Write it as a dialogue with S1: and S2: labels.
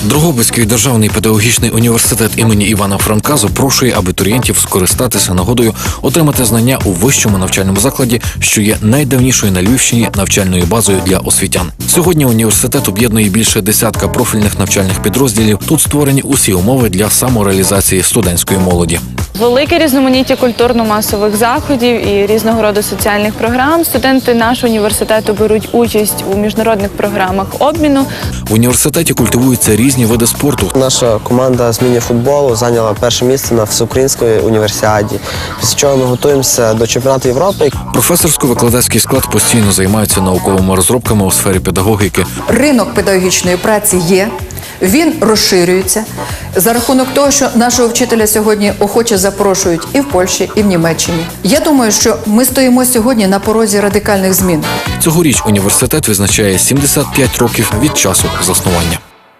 S1: Дрогобицький державний педагогічний університет імені Івана Франка запрошує абітурієнтів скористатися нагодою отримати знання у вищому навчальному закладі, що є найдавнішою на Львівщині навчальною базою для освітян. Сьогодні університет об'єднує більше десятка профільних навчальних підрозділів. Тут створені усі умови для самореалізації студентської молоді.
S2: Велике різноманіття культурно-масових заходів і різного роду соціальних програм. Студенти нашого університету беруть участь у міжнародних програмах обміну.
S1: В університеті культивуються різні види спорту.
S3: Наша команда з міні-футболу зайняла перше місце на всеукраїнській універсіаді, після чого ми готуємося до чемпіонату Європи.
S1: Професорсько-викладацький склад постійно займається науковими розробками у сфері педагогіки.
S4: Ринок педагогічної праці є. Він розширюється за рахунок того, що нашого вчителя сьогодні охоче запрошують і в Польщі, і в Німеччині. Я думаю, що ми стоїмо сьогодні на порозі радикальних змін.
S1: Цьогоріч університет відзначає 75 років від часу заснування.